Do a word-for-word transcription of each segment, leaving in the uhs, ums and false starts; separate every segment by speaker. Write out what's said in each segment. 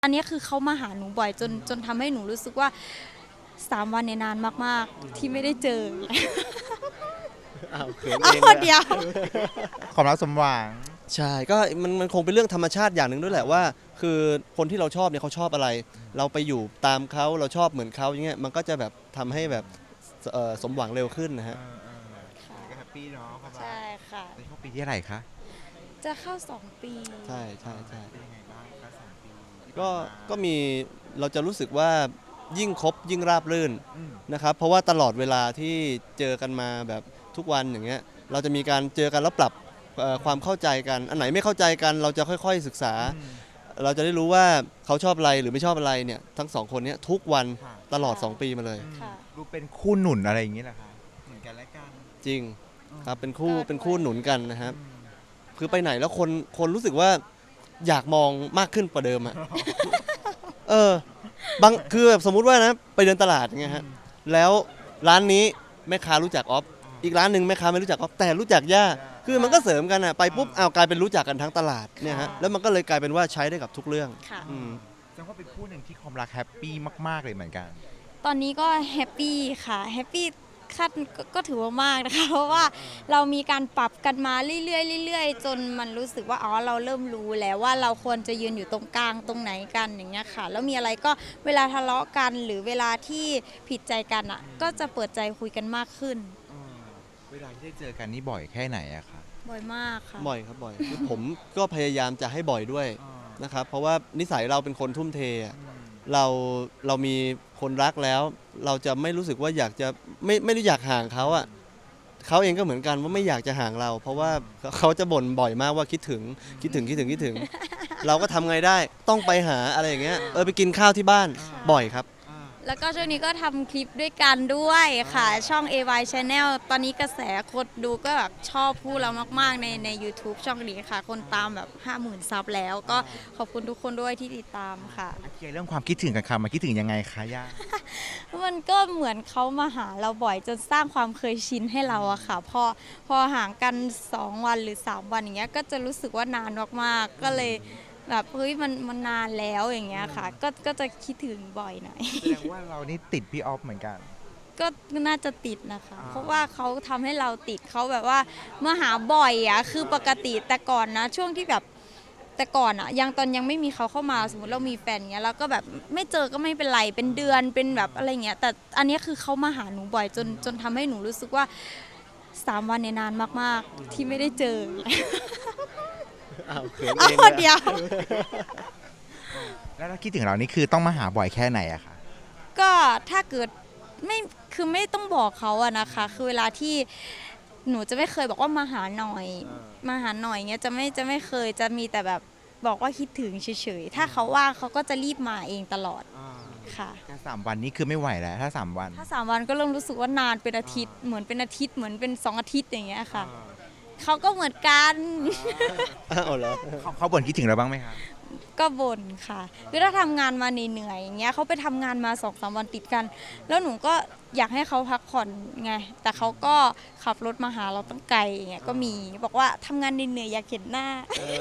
Speaker 1: อันนี้คือเขามาหาหนูบ่อยจนจนทำให้หนูรู้สึกว่าสามวันในนานมากๆที่ไม่ได้เจอ
Speaker 2: อ้าวเขินเอ
Speaker 1: เอา
Speaker 2: งเลย
Speaker 1: เดียว
Speaker 3: ความรักสมหวัง
Speaker 2: ใช่ก็มันมันคงเป็นเรื่องธรรมชาติอย่างหนึ่งด้วยแหละว่าคือคนที่เราชอบเนี่ยเขาชอบอะไร เราไปอยู่ตามเขาเราชอบเหมือนเขาอย่างเงี้ยมันก็จะแบบทำให้แบบเอ่อสมหวังเร็วขึ้นนะฮะ
Speaker 3: ก็แฮปปี้เนาะความรัก
Speaker 1: ใช่ค่ะ
Speaker 3: ในช่วงปีที่เท่าไหร่คะ
Speaker 1: จะเข้าสองปี
Speaker 2: ใช่ใช่ใช่
Speaker 3: เป็นยังไงบ้างคะสองปีที่
Speaker 2: ก็
Speaker 3: ผ่านมา
Speaker 2: ก็มีเราจะรู้สึกว่ายิ่งคบยิ่งราบรื่น
Speaker 3: อืม
Speaker 2: นะครับเพราะว่าตลอดเวลาที่เจอกันมาแบบทุกวันอย่างเงี้ยเราจะมีการเจอกันแล้วปรับเอ่อความเข้าใจกันอันไหนไม่เข้าใจกันเราจะค่อยๆศึกษา
Speaker 3: อืม
Speaker 2: เราจะได้รู้ว่าเขาชอบอะไรหรือไม่ชอบอะไรเนี่ยทั้งสองคนเนี้ยทุกวัน
Speaker 3: ค่ะ
Speaker 2: ตลอดสองปีมาเลย
Speaker 3: อืม
Speaker 1: ค่ะ
Speaker 3: ดูเป็นคู่หนุนอะไรอย่างนี้แหละคะเหมือนกันและกัน
Speaker 2: จริงครับเป็นคู่
Speaker 1: ก็
Speaker 2: เป็นคู่
Speaker 1: ด้วย
Speaker 2: หนุนกันนะครับ
Speaker 3: อืม
Speaker 2: คือไปไหนแล้วคนคนรู้สึกว่าอยากมองมากขึ้นกว่าเดิมอ่ะ เออบางคือแบบสมมุติว่านะไปเดินตลาดอย่างเงี้ยฮะแล้วร้านนี้แม่ค้ารู้จักออฟอีกร้านหนึ่งแม่ค้าไม่รู้จักออฟแต่รู้จักย่าคือมันก็เสริมกันอ่ะไปปุ๊บเอาวกลายเป็นรู้จักกันทั้งตลาดเนี่ยฮะแล้วมันก็เลยกลายเป็นว่าใช้ได้กับทุกเรื่อง
Speaker 1: ค่ะ
Speaker 2: อืม
Speaker 3: แสดงว่าเป็นคู่หนึ่งที่ความรักแฮปปี้มากๆเลยเหมือนกัน
Speaker 1: ตอนนี้ก็แฮปปี้ค่ะแฮปปี้ขั้นก็ก็ถือว่ามากนะคะ เพราะว่าเรามีการปรับกันมาเรื่อยๆเรื่อยๆจนมันรู้สึกว่าอ๋อเราเริ่มรู้แล้วว่าเราควรจะยืนอยู่ตรงกลางตรงไหนกันอย่างเงี้ยค่ะแล้วมีอะไรก็เวลาทะเลาะกันหรือเวลาที่ผิดใจกันอ่ะก็จะเปิดใจคุยกันมากขึ้น
Speaker 3: เวลาที่ได้เจอกันนี่บ่อยแค่ไหนอะคะ
Speaker 1: บ่อยมากค่ะ
Speaker 2: บ่อยครับบ่อยคือผมก็พยายามจะให้บ่อยด้วยนะครับเพราะว่านิสัยเราเป็นคนทุ่มเทอะเราเรามีคนรักแล้ว เราจะไม่รู้สึกว่าอยากจะไม่ไม่ได้อยากห่างเขาอ่ะเขาเองก็เหมือนกันว่าไม่อยากจะห่างเรา เพราะว่าเขาจะบ่นบ่อยมากว่าคิดถึงคิดถึงคิดถึงคิดถึง เราก็ทำไงได้ต้องไปหาอะไรอย่างเงี้ยเออไปกินข้าวที่บ้านบ่อยครับ
Speaker 1: แล้วก็ช่วงนี้ก็ทำคลิปด้วยกันด้วยค่ะ ช่อง เอ วาย Channel ตอนนี้กระแสคนดูก็แบบชอบพูดเรามากๆในใน YouTube ช่องนี้ค่ะ คนตามแบบ ห้าหมื่น ซับแล้ว ก็ขอบคุณทุกคนด้วยที่ติดตามค่ะ
Speaker 3: เคลียร์เรื่องความคิดถึงกันค่ะมาคิดถึงยังไงคะย่า
Speaker 1: มันก็เหมือนเขามาหาเราบ่อยจนสร้างความเคยชินให้เราอะค่ะ พอพอห่างกันสองวันหรือสามวันอย่างเงี้ยก็จะรู้สึกว่านานมากๆ ก็เลยแบบเฮ้ยมันมันนานแล้วอย่างเงี้ยค่ะ ก็ก็จะคิดถึงบ่อยหน่อย
Speaker 3: แสดงว่าเรานี่ติดพี่ออฟเหมือนกัน
Speaker 1: ก็น่าจะติดนะคะ
Speaker 3: อ่า
Speaker 1: เพราะว่าเขาทำให้เราติดเขาแบบว่ามาหาบ่อยอะคือปกติแต่ก่อนนะช่วงที่แบบแต่ก่อนอะยังตอนยังไม่มีเขาเข้ามาสมมติเรามีแฟนเงี้ยเราก็แบบไม่เจอก็ไม่เป็นไรเป็นเดือนเป็นแบบอะไรเงี้ยแต่อันนี้คือเขามาหาหนูบ่อยจนจนทำให้หนูรู้สึกว่าสามวันในนานมากๆที่ไม่ได้เจอ
Speaker 2: อ้าวเขิน
Speaker 1: เอา
Speaker 2: เองเลย
Speaker 1: เดียว
Speaker 3: แล้วถ้าคิดถึงเรานี่คือต้องมาหาบ่อยแค่ไหนอะคะ
Speaker 1: ก็ถ้าเกิดไม่คือไม่ต้องบอกเขาอะนะคะ คือเวลาที่หนูจะไม่เคยบอกว่ามาหาหน่อยมาหาหน่อยเงี้ยจะไม่จะไม่เคยจะมีแต่แบบบอกว่าคิดถึงเฉยๆถ้าเขาว่างเขาก็จะรีบมาเองตลอดค่ะ
Speaker 3: แค่สามวันนี้คือไม่ไหวแล้วถ้าสามวัน
Speaker 1: ถ้าสามวันก็เริ่มรู้สึกว่านานเป็นอาทิตย์เหมือนเป็นอาทิตย์เหมือนเป็นสองอาทิตย์อย่างเงี้ยค่ะเขาก็เหมือนกัน
Speaker 2: อ้าวเหรอ
Speaker 3: เขาเขาบ่นคิดถึงเราบ้างไหมคะ
Speaker 1: ก็บ่นค่ะคือถ้าทำงานมาเหนื่อยๆอย่างเงี้ยเขาไปทำงานมาสองสามวันติดกัน แล้วหนูก็อยากให้เขาพักผ่อนไง แต่เขาก็ขับรถมาหาเราตั้งไกลอย่างเงี้ยก็มีบอกว่าทำงานเหนื่อยๆอยากเห็นหน้า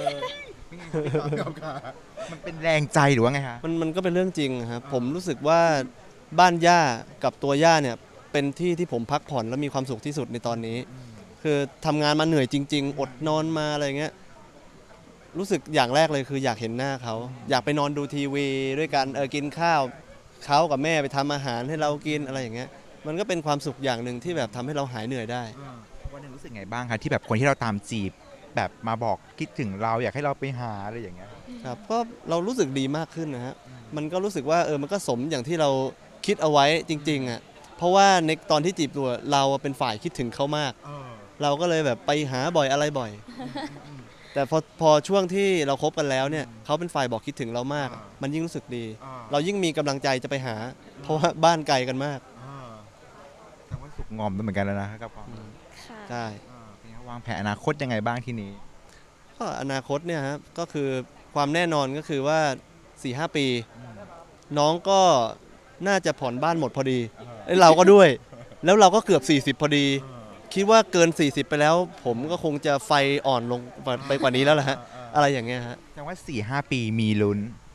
Speaker 3: มันเป็นแรงใจหรือว่าไงคะ
Speaker 2: มันมันก็เป็นเรื่องจริงครับผมรู้สึกว่าบ้านย่ากับตัวย่าเนี่ยเป็นที่ที่ผมพักผ่อนและมีความสุขที่สุดในตอนนี้ คือทำงานมาเหนื่อยจริง ๆ อดนอนมาอะไรเงี้ยรู้สึกอย่างแรกเลยคืออยากเห็นหน้าเขาอยากไปนอนดูทีวีด้วยกันเออกินข้าวเขากับแม่ไปทำอาหารให้เรากินอะไรอย่างเงี้ยมันก็เป็นความสุขอย่างหนึ่งที่แบบทำให้เราหายเหนื่อยได้
Speaker 3: วันหนึงรู้สึกไงบ้างคะที่แบบคนที่เราตามจีบแบบมาบอกคิดถึงเราอยากให้เราไปหาอะไรอย่างเงี้ย
Speaker 2: ครับก็เรารู้สึกดีมากขึ้นนะฮะมันก็รู้สึกว่าเออมันก็สมอย่างที่เราคิดเอาไว้จริงๆอ่ะเพราะว่าในตอนที่จีบตัวเราเป็นฝ่ายคิดถึงเขามาก เราก็เลยแบบไปหาบ่อยอะไรบ่อย แต่พอพอช่วงที่เราคบกันแล้วเนี่ยเขาเป็นฝ่ายบอกคิดถึงเรามาก มันยิ่งรู้สึกดี เรายิ่งมีกำลังใจจะไปหา เพราะว่าบ้านไกลกันมาก
Speaker 3: แต่ว่าสุกงอมไปเหมือนกันแล้วนะครับพ่อ
Speaker 1: ค่ะ
Speaker 2: ใช่
Speaker 3: เป็นไงวางแผนอนาคตยังไงบ้างทีนี้
Speaker 2: ก็อนาคตเนี่ยครับก็คือความแน่นอนก็คือว่า สี่ห้า ปี น้องก็น่าจะผ่อนบ้านหมดพอดีไอ้เราก็ด้วย แล้วเราก็เกือบ สี่สิบ พอดี คิดว่าเกิน สี่สิบ ไปแล้ว ผมก็คงจะไฟอ่อนลงไปกว่านี้แล้วแหละฮะอะไรอย่างเงี้ยฮะ
Speaker 3: แสดงว่า สี่ห้า ปีมีลุ้น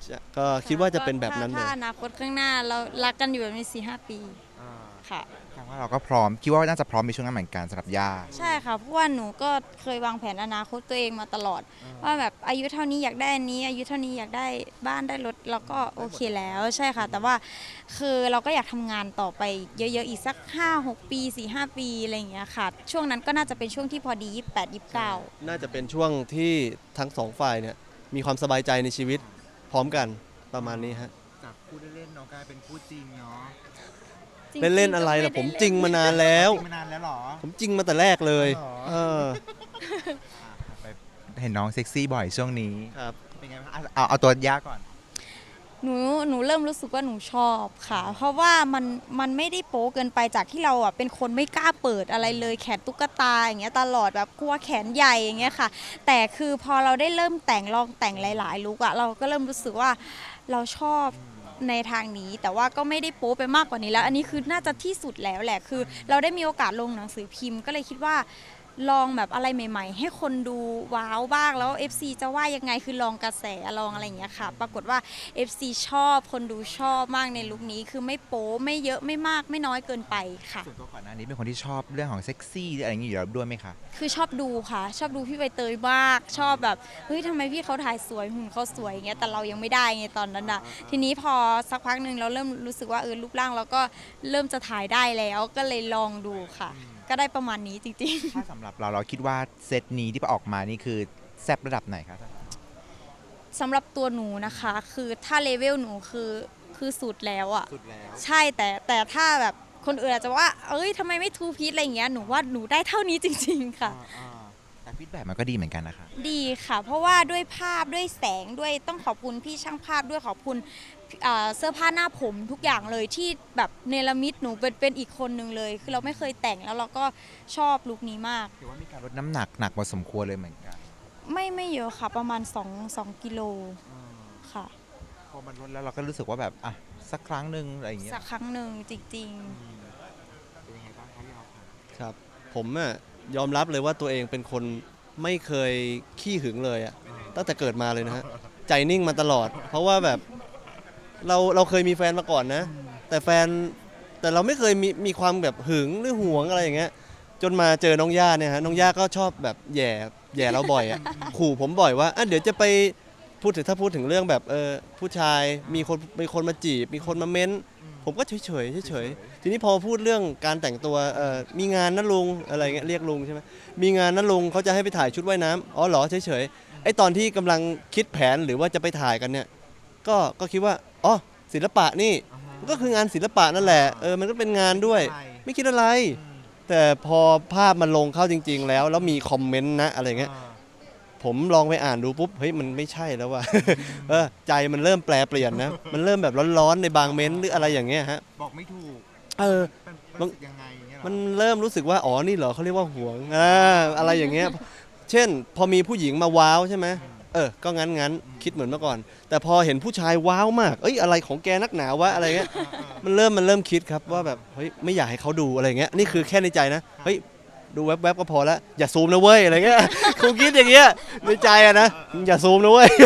Speaker 2: จะก็คิดว่าจะเป็นแบบนั้นเล
Speaker 1: ถ้าย อนาคตข้างหน้าเรารักกันอยู่แบบนี้สี่ห้าปีค่ะ
Speaker 3: แสดงว่าเราก็พร้อมคิดว่าน่าจะพร้อมในช่วงนั้นเหมือนกันสำหรับย่า
Speaker 1: ใช่ค่ะเพราะว่าหนูก็เคยวางแผนอนาคตตัวเองมาตลอด ว่าแบบอายุเท่านี้อยากได้อันนี้ อายุเท่านี้อยากได้บ้านได้รถเราก็โอเคแล้วใช่ค่ะ แต่ว่าคือเราก็อยากทำงานต่อไปเยอะๆอีกสัก ห้าหก ปี สี่ห้า ปีอะไรอย่างเงี้ยค่ะ ช่วงนั้นก็น่าจะเป็นช่วงที่พอดี ยี่สิบแปด ยี่สิบเก้า
Speaker 2: น่าจะเป็นช่วงที่ทั้งสองฝ่ายเนี่ยมีความสบายใจในชีวิตพร้อมกันประมาณนี้ฮะ
Speaker 3: จากพูดเล่นๆเนาะกลายเป็นพูดจริงเนาะ
Speaker 1: จริงๆ
Speaker 2: เล่นๆอะไรล่ะ
Speaker 1: ก็
Speaker 2: ผม
Speaker 1: ไได้
Speaker 2: จริงมานานแล้ว
Speaker 3: จริงมานานแล้วเหรอ
Speaker 2: ผมจริงมาแต่แรกเลย
Speaker 3: อ๋อ
Speaker 2: เออ
Speaker 3: ไปเห็นน้องเซ็กซี่บ่อยช่วงนี้
Speaker 2: ครับ
Speaker 3: เป็นไงบ้างอ่ะเอาเอาตัวย่าก่อน
Speaker 1: หนูหนูเริ่มรู้สึกว่าหนูชอบค่ะ เพราะว่ามันมันไม่ได้โป๊เกินไปจากที่เราอ่ะเป็นคนไม่กล้าเปิดอะไรเลยแขนตุ๊กตาอย่างเงี้ยตลอดแบบกลัวแขนใหญ่อย่างเงี้ยค่ะ แต่คือพอเราได้เริ่มแต่งลองแต่งหลายๆลุกอ่ะเราก็เริ่มรู้สึกว่าเราชอบในทางนี้ แต่ว่าก็ไม่ได้โป๊ไปมากกว่านี้แล้ว อันนี้คือน่าจะที่สุดแล้วแหละคือ เราได้มีโอกาสลงหนังสือพิมพ์ก็เลยคิดว่า ลองแบบอะไรใหม่ ๆ ให้คนดูว้าวบ้างแล้ว เอฟ ซี จะว่ายังไงคือลองกระแสลองอะไรอย่างเงี้ยค่ะ ปรากฏว่า เอฟ ซี ชอบคนดูชอบมากในลุคนี้คือไม่โป๊ไม่เยอะไม่มากไม่น้อยเกินไปค่ะ
Speaker 3: ส่วนตัวก่อนหน้านี้เป็นคนที่ชอบเรื่องของเซ็กซี่หรืออะไรอย่างงี้อยู่แล้วด้วยไหมคะ
Speaker 1: คือชอบดูค่ะ ชอบดูพี่ใบเตยมาก ชอบแบบเฮ้ยทำไมพี่เขาถ่ายสวยหุ่นเขาสวยอย่างเงี้ยแต่เรายังไม่ได้ไงตอนนั้นอ่ะ ทีนี้พอสักพักหนึ่งเราเริ่มรู้สึกว่าเออรูปร่างเราก็เริ่มจะถ่ายได้แล้วก็เลยลองดูค่ะ ก็ได้ประมาณนี้จริงๆ
Speaker 3: ถ้าสำหรับเราเราคิดว่าเซตนี้ที่ออกมานี่คือแซบระดับไหนคะ
Speaker 1: สำหรับตัวหนูนะคะ คือถ้าเลเวลหนูคือคือสุดแล้วอะ
Speaker 3: สุดแล้ว
Speaker 1: ใช่แต่แต่ถ้าแบบคนอื่นอาจจะว่า เอ้ยทำไมไม่ทูพีทอะไรอย่างเงี้ยหนูว่าหนูได้เท่านี้จริง ๆ ค่ะ
Speaker 3: แต่ฟีดแบ็กมันก็ดีเหมือนกันนะคะ
Speaker 1: ดีค่ะ เพราะว่าด้วยภาพด้วยแสงด้วยต้องขอบคุณพี่ช่างภาพด้วยขอบคุณเอ่อเสื้อผ้าหน้าผมทุกอย่างเลยที่แบบเนรมิตหนูเป็นเป็นอีกคนหนึ่งเลย คือเราไม่เคยแต่งแล้วเราก็ชอบลุคนี้มาก
Speaker 3: ถือว่ามีการลดน้ำหนักหนักพอสมควรเลยเหมือนกัน
Speaker 1: ไม่ไม่เยอะค่ะประมาณ2 2กิโลค่ะ
Speaker 3: พอมันลดแล้วเราก็รู้สึกว่าแบบอ่ะสักครั้งหนึ่งอะไรอย่างเงี้ย
Speaker 1: สักครั้งหนึ่งจริง
Speaker 3: เป็นยังไงบ้างคะพี่ออฟคะ
Speaker 2: ครับ ผมอะยอมรับเลยว่าตัวเองเป็นคนไม่เคยขี้หึงเลยอะตั้งแต่เกิดมาเลยนะฮะ ใจนิ่งมาตลอด เพราะว่าแบบเราเราเคยมีแฟนมาก่อนนะ แต่แฟนแต่เราไม่เคยมีมีความแบบหึงหรือหวงอะไรอย่างเงี้ยจนมาเจอน้องย่าเนี่ยฮะน้องย่าก็ชอบแบบแหย่แหย่เราบ่อยอะ ขู่ผมบ่อยว่าอ่ะเดี๋ยวจะไปพูดถึงถ้าพูดถึงเรื่องแบบเออผู้ชายมีคนมีคนมาจีบ มีคนมาเม้น ผมก็เฉยเฉยเฉยๆทีนี้พอพูดเรื่องการแต่งตัวเออมีงานนะลุงอะไรเงี้ยเรียกลุงใช่ไหมมีงานนะลุงเขาจะให้ไปถ่ายชุดว่ายน้ำอ๋อเหรอเฉยเฉยๆไอตอนที่กำลังคิดแผนหรือว่าจะไปถ่ายกันเนี่ยก็ก็คิดว่าอ๋อศิลปะนี่มันก็คืองานศิลปะนั่นแหละเออมันก็เป็นงานด้วย ไม่คิดอะไร แต่พอภาพมันลงเข้าจริง ๆ แล้วแล้วมีคอมเมนต์นะอะไรเงี้ยผมลองไปอ่านดูปุ๊บเฮ้ยมันไม่ใช่แล้วว่ะ เออใจมันเริ่มแปลเปลี่ยนนะมันเริ่มแบบร้อนๆในบางเม้นต์หรืออะไรอย่างเงี้ยฮะ
Speaker 3: บอกไม่ถูก
Speaker 2: เออ
Speaker 3: มันรู้สึกยังไงอย่างเงี้ยเหรอ
Speaker 2: มันเริ่มรู้สึกว่าอ๋อนี่เหรอเขาเรียกว่าหวงอ่าอะไรอย่างเงี้ย เช่น พอมีผู้หญิงมาว้าวใช่ไหมเออก็งั้นงั้นคิดเหมือนเมื่อก่อน แต่พอเห็นผู้ชายว้าวมากเอ้ยอะไรของแกนักหนาวะอะไรเงี้ยมันเริ่มมันเริ่มคิดครับว่าแบบเฮ้ยไม่อยากให้เขาดูอะไรเงี้ยนี่คือแค่ในใจนะเฮ้ยดูแวบๆก็พอแล้วอย่าซูมนะเว้ยอะไรเงี้ย คงคิดอย่างเงี้ยในใจอะนะอย่าซูมนะเว้ย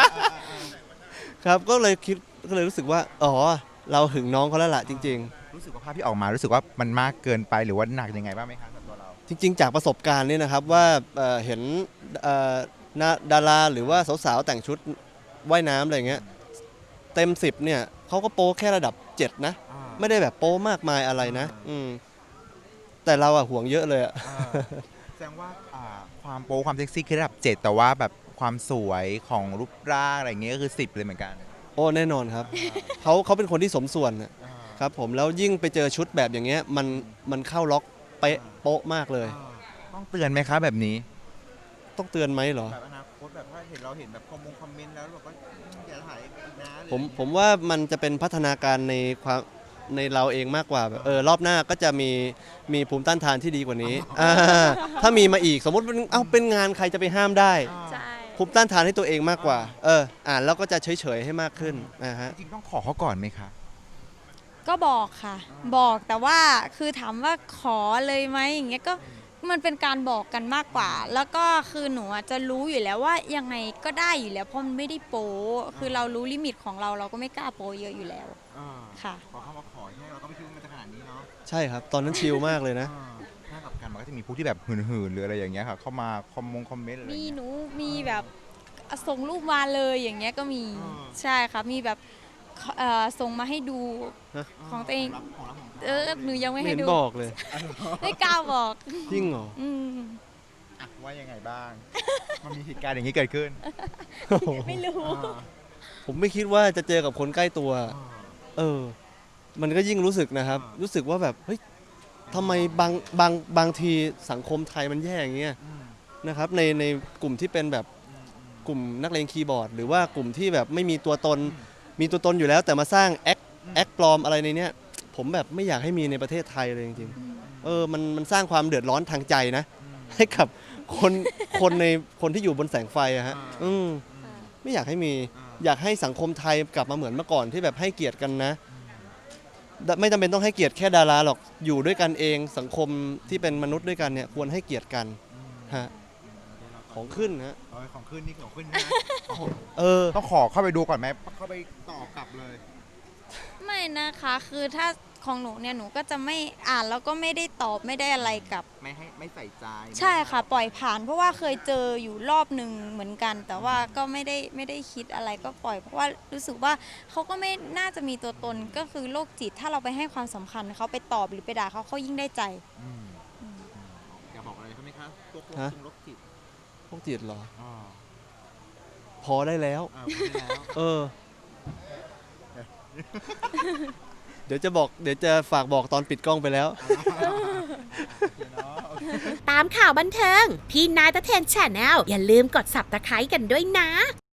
Speaker 2: ครับก็เลยคิดก็เลยรู้สึกว่าอ๋อเราหึงน้องเขาแล้วล่ะจริง ๆ
Speaker 3: รู้สึกว่าภาพที่ออกมารู้สึกว่ามันมากเกินไปหรือว่าหนักยังไงบ้างไหมคะสำหรับตัวเรา
Speaker 2: จริงๆ จากประสบการณ์เนี่ยนะครับว่าเอ่อเห็นเอ่อนาดาราหรือว่าสาวๆ แต่งชุดว่ายน้ำอะไรอย่างเงี้ยเต็มสิบเนี่ยเขาก็โป๊แค่ระดับเจ็ดนะ ไม่ได้แบบโป๊มากมายอะไรนะอืมแต่เราอะห่วงเยอะเลยอะ
Speaker 3: แสดงว่าอ่าความโป๊ความเซ็กซี่คือระดับเจ็ดแต่ว่าแบบความสวยของรูปร่างอะไรอย่างเงี้ยก็คือสิบเลยเหมือนกัน
Speaker 2: โอ้แน่นอนครับ เขาเขาเป็นคนที่สมส่วนน่ะครับผมแล้วยิ่งไปเจอชุดแบบอย่างเงี้ยมันมันเข้าล็อกเป๊ะโป๊ะมากเลย
Speaker 3: ต้องเตือนไหมคะแบบนี้
Speaker 2: ต้องเตือนไหมเหรอ
Speaker 3: แบบอนาคตแบบถ้าเห็นเราเห็นแบบคอมมงคอมเมนต์แล้วแบบว่าอย่าถ่ายอีกนะ
Speaker 2: ผมผมว่ามันจะเป็นพัฒนาการในความในเราเองมากกว่าแบบเออรอบหน้าก็จะมีมีภูมิต้านทานที่ดีกว่านี้อ่าถ้ามีมาอีกสมมติเป็นเอ้าเป็นงานใครจะไปห้ามได้
Speaker 1: ใช่
Speaker 2: ภูมิต้านทานให้ตัวเองมากกว่า เอออ่านแล้วก็จะเฉยๆให้มากขึ้นนะฮะ
Speaker 3: จริงๆต้องขอเขาก่อนไหมคะ
Speaker 1: ก็บอกค่ะ บอกแต่ว่าคือถามว่าขอเลยไหมอย่างเงี้ยก็มันเป็นการบอกกันมากกว่า แล้วก็คือหนูอะจะรู้อยู่แล้วว่ายังไงก็ได้อยู่แล้วเพราะมันไม่ได้โป๊คือเรารู้ลิมิตของเราเราก็ไม่กล้าโป๊เยอะอยู่แล้ว
Speaker 3: อ่า
Speaker 1: ค่ะ
Speaker 3: พอเข้ามาขอให้เราก็ไม่คิดว่ามันจะขนาดนี้เนาะ
Speaker 2: ใช่ครับ ตอนนั้นชิลมากเลยนะ
Speaker 3: อ่าถ้ากับกันมันก็จะมีพวกที่แบบหื่นๆหรืออะไรอย่างเงี้ยค่ะเข้ามาคอมมงคอมเมนต์อะไรอ
Speaker 1: มี
Speaker 3: ย่างเงี้ย
Speaker 1: หนูมีแบบส่งรูปมาเลยอย่างเงี้ยก็มี
Speaker 3: อ่า
Speaker 1: ใช่ค่ะมีแบบเอ่อส่งมาให้ดู
Speaker 2: ฮะ
Speaker 1: ของตัวเอง
Speaker 3: รับของรับของ
Speaker 1: เออหนูยังไม่
Speaker 2: ไม่
Speaker 1: ให้
Speaker 2: เห็น
Speaker 1: ดู
Speaker 2: บอกเลย
Speaker 1: ไม่กล้าบอก
Speaker 2: จริงเหรอ
Speaker 1: อืม
Speaker 3: อ่ะว่ายังไงบ้าง มันมีเหตุการณ์อย่างนี้เกิดขึ้น
Speaker 1: ไม่รู้
Speaker 3: อ่า
Speaker 2: ผมไม่คิดว่าจะเจอกับคนใกล้ตัว
Speaker 3: อ่า
Speaker 2: เออ มันก็ยิ่งรู้สึกนะครับ
Speaker 3: อ่ารู้
Speaker 2: รู้สึกว่าแบบ เฮ้ยทำไมบางบางบางทีสังคมไทยมันแย่อย่างเงี้ย
Speaker 3: อืม
Speaker 2: นะครับ ในในกลุ่มที่เป็นแบบ
Speaker 3: อืมอืม
Speaker 2: กลุ่มนักเลงคีย์บอร์ด หรือว่ากลุ่มที่แบบไม่มีตัวตน มีตัวตนอยู่แล้วแต่มาสร้างแอค
Speaker 3: อืม
Speaker 2: แอคปลอมอะไรในเนี้ย ผมแบบไม่อยากให้มีในประเทศไทยเลยจริงๆ เออ มันมันสร้างความเดือดร้อนทางใจนะ
Speaker 3: อืม
Speaker 2: ให้กับคนคนในคนที่อยู่บนแสงไฟอะฮะ
Speaker 3: อ่า
Speaker 2: อืม
Speaker 3: อืม
Speaker 2: ไม่อยากให้มี
Speaker 3: อ่า
Speaker 2: อยากให้สังคมไทยกลับมาเหมือนเมื่อก่อนที่แบบให้เกียรติกันนะ ไม่จำเป็นต้องให้เกียรติแค่ดาราหรอกอยู่ด้วยกันเองสังคมที่เป็นมนุษย์ด้วยกันเนี่ยควรให้เกียรติกัน
Speaker 3: อืม
Speaker 2: ฮะของขึ้นฮะ
Speaker 3: เอาของขึ้นนี่ของขึ้นนะ
Speaker 2: เออ
Speaker 3: ต้องขอเข้าไปดูก่อนไหมเข้าไปตอบกลับเลย
Speaker 1: ไม่นะคะคือถ้าของหนูเนี่ยหนูก็จะไม่อ่านแล้วก็ไม่ได้ตอบไม่ได้อะไรกับ
Speaker 3: ไม่ให้ไม่ใส่ใจ
Speaker 1: ใช่ค่ะปล่อยผ่าน เพราะว่าเคยเจออยู่รอบหนึ่งเหมือนกัน แต่ว่าก็ไม่ได้ไม่ได้คิดอะไรก็ปล่อย เพราะว่ารู้สึกว่าเขาก็ไม่น่าจะมีตัวตนก็คือโรคจิตถ้าเราไปให้ความสำคัญเขาไปตอบหรือไปด่าเขาเขายิ่งได้ใจ
Speaker 3: อืมอืมอยากบอกอะไรเขาไหมคะตัวโครง
Speaker 2: ฮะ
Speaker 3: ตรงลบจิต
Speaker 2: พวกจิตเหรอ
Speaker 3: อ่า
Speaker 2: พอได้แล้ว
Speaker 3: อ่าพูดได้แล้ว
Speaker 2: เออ เดี๋ยวจะบอกเดี๋ยวจะฝากบอกตอนปิดกล้องไปแล้ว
Speaker 3: โอเคเนาะโอเค
Speaker 4: ตามข่าวบันเทิง พี่นายตะเทนแชนแนลอย่าลืมกด ซับสไครบ์ กันด้วยนะ